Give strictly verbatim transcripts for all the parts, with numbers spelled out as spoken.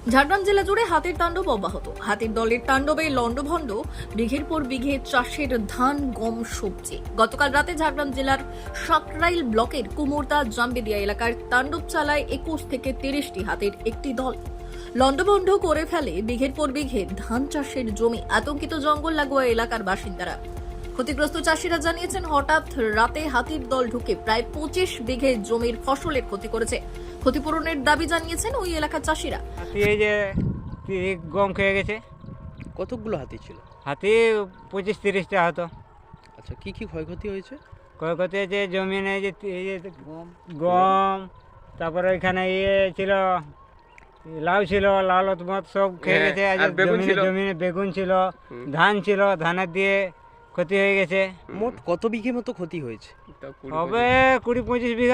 ঝাড়গ্রাম জেলা জুড়ে হাতির তাণ্ডব অব্যাহত। হাতির দলের তাণ্ডবে লন্ডভন্ড বিঘের পর বিঘে চাষের ধান, গম, সবজি। গতকাল রাতে ঝাড়গ্রাম জেলার সাকরাইল ব্লকের কুমোরদা জামবেদিয়া এলাকার তাণ্ডব চালায় একুশ থেকে তিরিশটি হাতির একটি দল। লন্ডভন্ড করে ফেলে বিঘের পর বিঘে ধান চাষের জমি। আতঙ্কিত জঙ্গল লাগোয়া এলাকার বাসিন্দারা। ক্ষতিগ্রস্ত চাষিরা জানিয়েছেন, হঠাৎ রাতে হাতির দল ঢুকে প্রায় পঁচিশ বিঘে জমির ফসলের ক্ষতি করেছে। ক্ষতিপূরণের দাবি জানিয়েছেন ওই এলাকার চাষিরা। হাতি এই যে গম খেয়ে গেছে। কতগুলো হাতি ছিল? হাতি পঁচিশ তিরিশটা হতো। আচ্ছা, কি কি ক্ষয়ক্ষতি হয়েছে? ক্ষয়ক্ষতি হয়েছে জমিনে যে এই যে গম, তারপরে ওইখানে ইয়ে ছিল, লাউ ছিল, লাউ মত সব খেয়ে গেছে। জমিনে জমিনে বেগুন ছিল, ধান ছিল, ধানের দিয়ে ক্ষতি হয়ে গেছে। মোট কত বিঘে মতো ক্ষতি হয়েছে? হবে কুড়ি পঁচিশ বিঘা,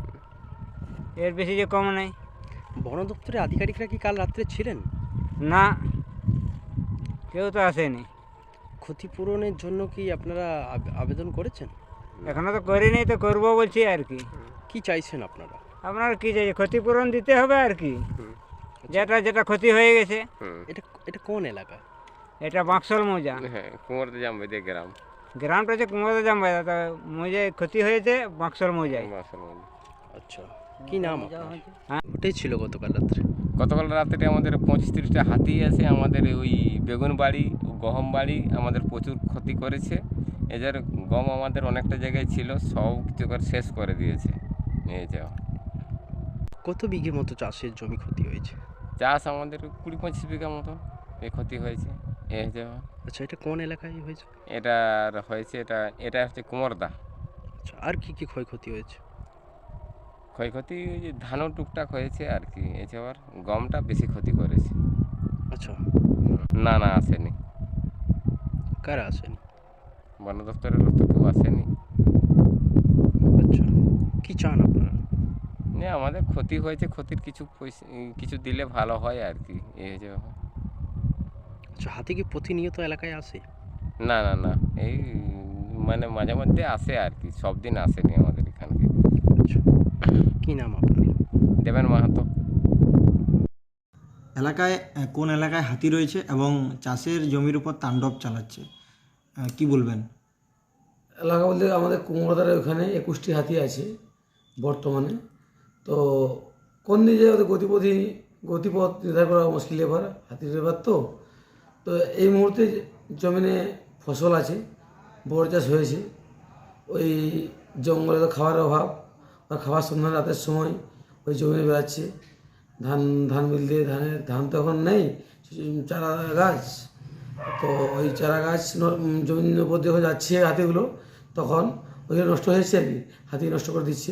এর বেশি যে কম নেই। বন দপ্তরের আধিকারিকরা কি কাল রাত্রে ছিলেন? না, কেউ তো আসেনি। ক্ষতিপূরণের জন্য কি আপনারা আব- আবেদন করেছেন? এখনো তো করিনি, তো করবো বলছি আর কি। কি চাইছেন আপনারা? আপনার কি চাই, ক্ষতিপূরণ দিতে হবে আর কি, যেটা যেটা ক্ষতি হয়ে গেছে। এটা এটা কোন এলাকা? এটা বাক্সল মৌজা, হ্যাঁ, কুমোরদা জামবেদিয়া গ্রাম। গ্রামটা হচ্ছে কুমোরদা জামবেদিয়া, তো মৌজায় ক্ষতি হয়েছে বাক্সল মৌজায়। আচ্ছা, কি নাম আপনার? হ্যাঁ। ঘটেছিল গতকাল রাত্রে? গতকাল রাত্রে আমাদের পঁচিশ তিরিশটা হাতি আছে আমাদের ওই বেগুন বাড়ি, গহম বাড়ি আমাদের প্রচুর ক্ষতি করেছে। এদের গম আমাদের অনেকটা জায়গায় ছিল, সব কিছু করে শেষ করে দিয়েছে নিয়ে যাওয়া। কত বিঘে মতো চাষের জমি ক্ষতি হয়েছে? চাষ আমাদের কুড়ি পঁচিশ বিঘা মতো এই ক্ষতি হয়েছে এ যাওয়া। আচ্ছা, এটা কোন এলাকায় হয়েছে? এটার হয়েছে, এটা এটা হচ্ছে কুমোরদা। আচ্ছা, আর কি কি ক্ষয়ক্ষতি হয়েছে? ক্ষয়ক্ষতি ওই যে ধানও টুকটাক হয়েছে আর কি, এছাড়া গমটা বেশি ক্ষতি করেছে। আচ্ছা, না না আসেনি, কারা আসেনি? বন দপ্তরের লোক তো কেউ আসেনি। আচ্ছা, কি চান আপনারা? না, আমাদের ক্ষতি হয়েছে, ক্ষতির কিছু পয়সা কিছু দিলে ভালো হয় আর কি, এই যে। আচ্ছা, হাতি কি প্রতিনিয়ত এলাকায় আসে? না না না, এই মানে মাঝে মধ্যে আসে আর কি, সব দিন আসেনি আমাদের এখানকে। আচ্ছা, কি নাম আপনার? দেবেন মাহাতো। এলাকায় আহ, কোন এলাকায় হাতি রয়েছে এবং চাষের জমির উপর তাণ্ডব চালাচ্ছে, আহ, কি বলবেন? এলাকা বলতে আমাদের কুমোরদার ওখানে একুশটি হাতি আছে বর্তমানে। তো কোন দিকে ওদের গতিপথি গতিপথ নির্ধারণ করা মুশকিল এবার, হাতির এবার তো তো এই মুহূর্তে জমিনে ফসল আছে, বড় চাষ হয়েছে। ওই জঙ্গলে তো খাবারের অভাব, আর খাবার সন্ধ্যা রাতের সময় ওই জমিনে বেড়াচ্ছে। ধান ধান মিল দিয়ে ধানের ধান তো এখন নেই, চারা গাছ। তো ওই চারা গাছ ন- জমির উপর যখন যাচ্ছে হাতিগুলো, তখন ওইগুলো নষ্ট হয়েছে আর কি, হাতি নষ্ট করে দিচ্ছে।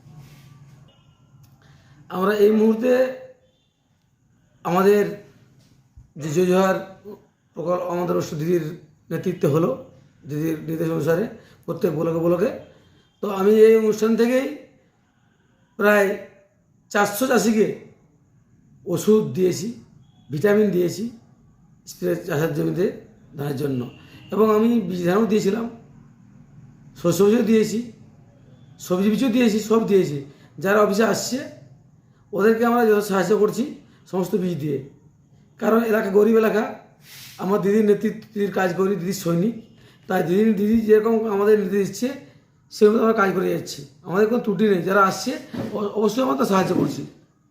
আমরা এই মুহূর্তে আমাদের যে জোজোহার প্রকল্প আমাদের অবশ্য দিদির নেতৃত্বে হলো, দিদির নির্দেশ অনুসারে প্রত্যেক ব্লকে ব্লকে। তো আমি এই অনুষ্ঠান থেকেই প্রায় চারশো চাষিকে ওষুধ দিয়েছি, ভিটামিন দিয়েছি স্প্রে চাষের জমিতে ধানের জন্য, এবং আমি বীজ ধানও দিয়েছিলাম, শস্য বীজও দিয়েছি, সবজি বীজও দিয়েছি, সব দিয়েছি। যারা অফিসে আসছে ওদেরকে আমরা যত সাহায্য করছি সমস্ত বীজ দিয়ে। কারণ এলাকা গরিব এলাকা, আমার দিদির নেতৃত্ব, দিদির কাজ করি, দিদির সৈনিক। তাই দিদির দিদি যেরকম আমাদের নির্দেশ দিচ্ছে সেরকম আমরা কাজ করে যাচ্ছি, আমাদের কোনো ত্রুটি নেই। যারা আসছে অ- অবশ্যই আমরা সাহায্য করছি।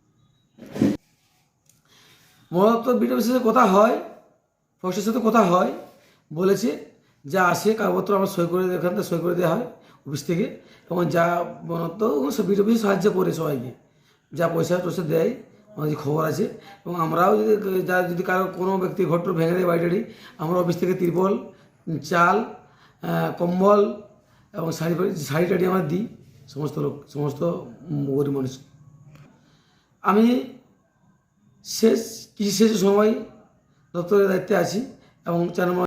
মূলত বিডিওর সাথে কথা হয়, ফরেস্টের সাথে কথা হয়, বলেছে যা আসে কাগজপত্র আমরা সই করে এখান থেকে সই করে দেওয়া হয় অফিস থেকে, এবং যা বনত সব বিডিও অফিসে সাহায্য করে সবাইকে, যা পয়সা টয়সা দেয় আমাদের খবর আছে। এবং আমরাও যদি যা যদি কারো কোনো ব্যক্তি ঘর টর ভেঙে দেয় বাড়ি টাড়ি, আমরা অফিস থেকে তিরপল, চাল, আহ, কম্বল এবং শাড়ি ফাড়ি শাড়ি টাড়ি আমরা দিই সমস্ত লোক, সমস্ত গরিব মানুষ। আমি শেষ কৃষি শেষ সময় দপ্তরের দায়িত্বে আছি এবং চার নম্বর